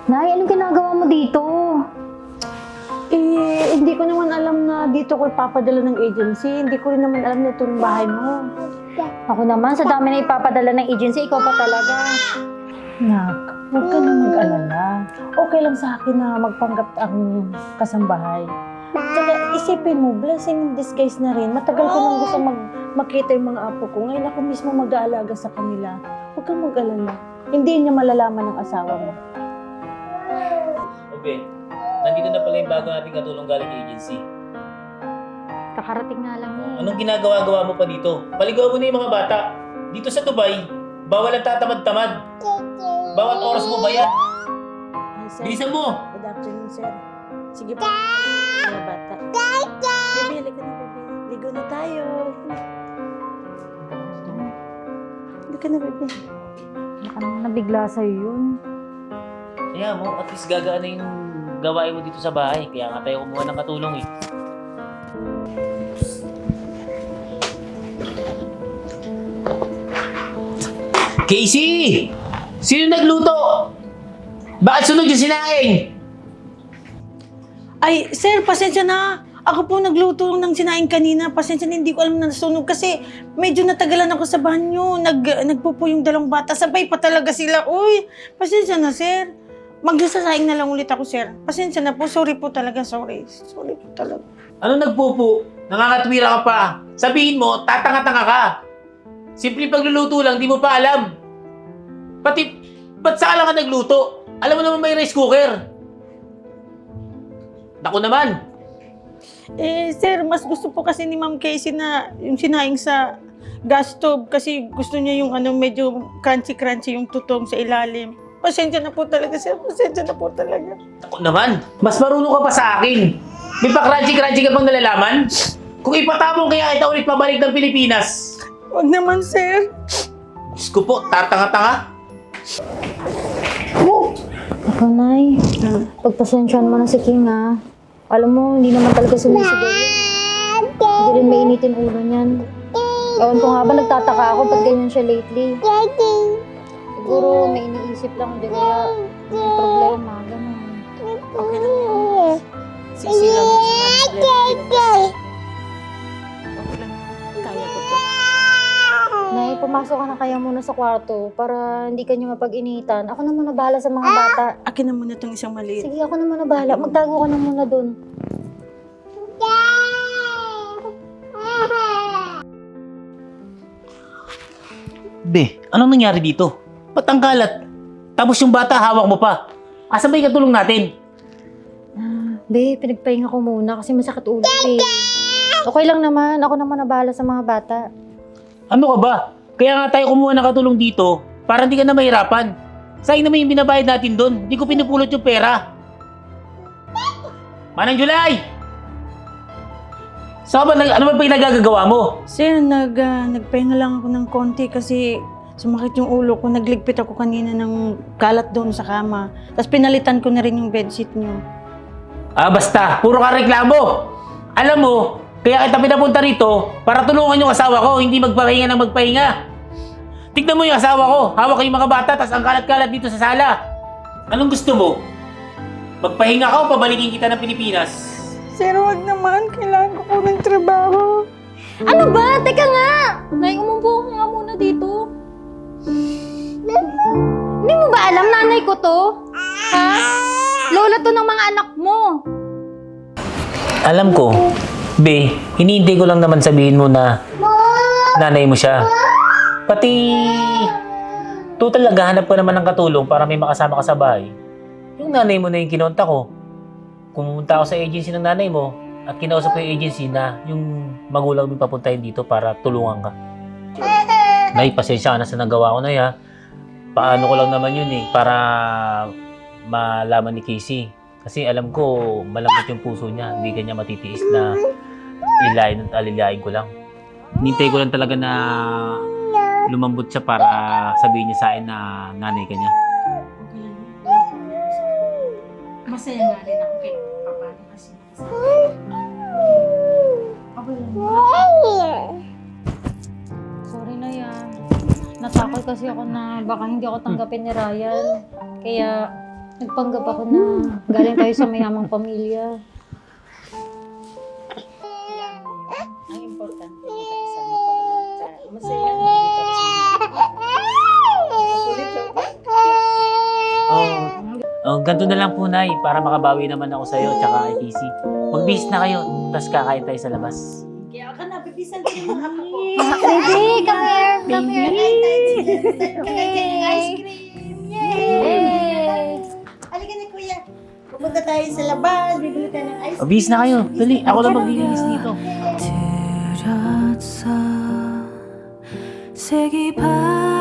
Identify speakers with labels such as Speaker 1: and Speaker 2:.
Speaker 1: Nay, anong ginagawa mo dito?
Speaker 2: Hindi ko naman alam na dito ko ipapadala ng agency. Hindi ko rin naman alam na ito yung bahay mo.
Speaker 1: Ako naman, sa dami na ipapadala ng agency, ikaw pa talaga.
Speaker 2: Nak, huwag ka na mag-alala. Okay lang sa akin na magpanggap ang kasambahay. Tsaka isipin mo, blessing in disguise na rin. Matagal ko nang gusto makita yung mga apo ko. Ngayon ako mismo mag-aalaga sa kanila. Huwag kang mag-alala. Hindi niya malalaman ng asawa mo.
Speaker 3: Okay, nandito na pala yung bago nating katulong galing agency.
Speaker 1: Kakarating nga lang eh.
Speaker 3: Anong ginagawa-gawa mo pa dito? Paligaw mo na yung mga bata. Dito sa Dubai, bawal ang tatamad-tamad. Bawat oras mo ba yan?
Speaker 2: Ay, sir.
Speaker 3: Bilisan mo!
Speaker 2: Good afternoon, sir. Sige po. Mga bata. Bebe, halika na, bebe. Ligo na tayo. Halika na, bebe.
Speaker 1: Baka naman nabigla sa'yo yun.
Speaker 3: Kaya mo, at least gagaan na yung gawain mo dito sa bahay. Kaya nga tayo kumuha ng katulong eh. Casey! Sino nagluto? Bakit sunod yung sinaing?
Speaker 2: Ay, sir, pasensya na. Ako po nagluto ng sinaing kanina. Pasensya na, hindi ko alam na nasunog kasi medyo natagalan ako sa banyo. Nagpupo yung dalawang bata. Sabay pa talaga sila. Uy, pasensya na, sir. Magsasaing na lang ulit ako, sir. Pasensya na po. Sorry po talaga. Sorry. Sorry po talaga.
Speaker 3: Ano nagpupo? Nangangatwira ka pa. Sabihin mo, tatanga-tanga ka. Simple pagluluto lang, di mo pa alam. Ba't saan lang ka nagluto? Alam mo naman may rice cooker. Naku naman.
Speaker 2: Sir, mas gusto po kasi ni Ma'am Casey na yung sinaing sa gas stove kasi gusto niya yung medyo crunchy-crunchy yung tutong sa ilalim. Pasensya na po talaga, sir. Pasensya na po talaga.
Speaker 3: Naku naman. Mas marunong ka pa sa akin. May pa-crunchy-crunchy ka bang nalalaman? Kung ipatapong kaya kita ulit pabalik ng Pilipinas.
Speaker 2: Huwag naman, sir.
Speaker 3: Diyos ko po, tatanga-tanga.
Speaker 1: Ako, Nay. Pagpasensyahan mo na si King, ha? Alam mo, hindi naman talaga sumisigaw yun. Hindi rin mainitin ulo niyan. Ewan ko nga ba, nagtataka ako ba't ganyan siya lately. Siguro may iniisip lang, hindi kaya may problema, gano'n.
Speaker 2: Okay lang yan. Sisi lang yung sinabi. Okay lang. Kaya ko to.
Speaker 1: Nay, pumasok ka na kaya muna sa kwarto para hindi ka niyo mapag-initan. Ako na muna bahala sa mga bata.
Speaker 2: Akin na muna itong isang maliit.
Speaker 1: Sige, ako na muna bahala. Magtago ka na muna dun.
Speaker 3: Be, anong nangyari dito? Ba't ang kalat? Tapos yung bata, hawak mo pa. Asan ba yung katulong natin?
Speaker 1: Be, pinagpahinga ko muna kasi masakit ulo eh. Okay lang naman. Ako naman na bahala sa mga bata.
Speaker 3: Ano ka ba? Kaya nga tayo kumuha ng katulong dito para hindi ka na mahirapan. Sayang naman yung binabayad natin doon. Hindi ko pinupulot yung pera. Manang July! Ano ba pinagagagawa mo?
Speaker 2: Sir, nagpahinga lang ako ng konti kasi sumakit yung ulo ko. Nagligpit ako kanina ng kalat doon sa kama. Tapos pinalitan ko na rin yung bedsheet niyo.
Speaker 3: Basta, puro ka reklamo. Alam mo, kaya kita pinapunta rito para tulungan yung asawa ko, hindi magpahinga ng magpahinga. Tignan mo yung asawa ko, hawak yung mga bata, tas ang kalat-kalat dito sa sala. Anong gusto mo? Magpahinga ka o pabalikin kita ng Pilipinas?
Speaker 2: Sir, wag naman. Kailangan ko po ng trabaho.
Speaker 1: Ano ba? Teka nga! Nay, umupo ka nga muna dito. Hindi mo ba alam nanay ko to? Ha? Lola to ng mga anak mo.
Speaker 3: Alam ko. Be, hinihintay ko lang naman sabihin mo na nanay mo siya. Pati total naghahanap ko naman ng katulong para may makasama ka sa bahay. Yung nanay mo na yung kinonta ko. Pumunta ako sa agency ng nanay mo at kinausap ko yung agency na yung magulang mo papuntahin dito para tulungan ka. Nay, pasensya ka na sa nagawa ko na ya. Paano ko lang naman yun para malaman ni Casey. Kasi alam ko, malambot yung puso niya. Hindi kanya matitiis na ilayin at alilayin ko lang. Hinintay ko lang talaga na lumambot siya para sabihin niya sa akin na nanay ka niya.
Speaker 2: Masaya nga rin ako kay Papa kasi. Okay lang.
Speaker 1: Sorry na yan. Natakot kasi ako na baka hindi ako tanggapin ni Ryan. Kaya Nagpanggap ako na galing tayo sa mayamang pamilya.
Speaker 2: Ang importante magkakasama pa rin. Masaya na dito kasi.
Speaker 3: Ganito na lang po, Nay, para makabawi naman ako sa'yo tsaka kay Kisi. Mag-bis na kayo, tapos kakain tayo sa labas.
Speaker 2: Kaya ka na, bibisan ko yung mga apo ko.
Speaker 1: Baby, come here! Come here!
Speaker 2: Ice cream! Yay!
Speaker 1: Hey!
Speaker 2: Halika na, kuya. Pupunta tayo sa labas, bibili tayo ng ice cream.
Speaker 3: Mag-bis na kayo, dali. Ako lang maglilinis dito.
Speaker 4: 들었어 색이 바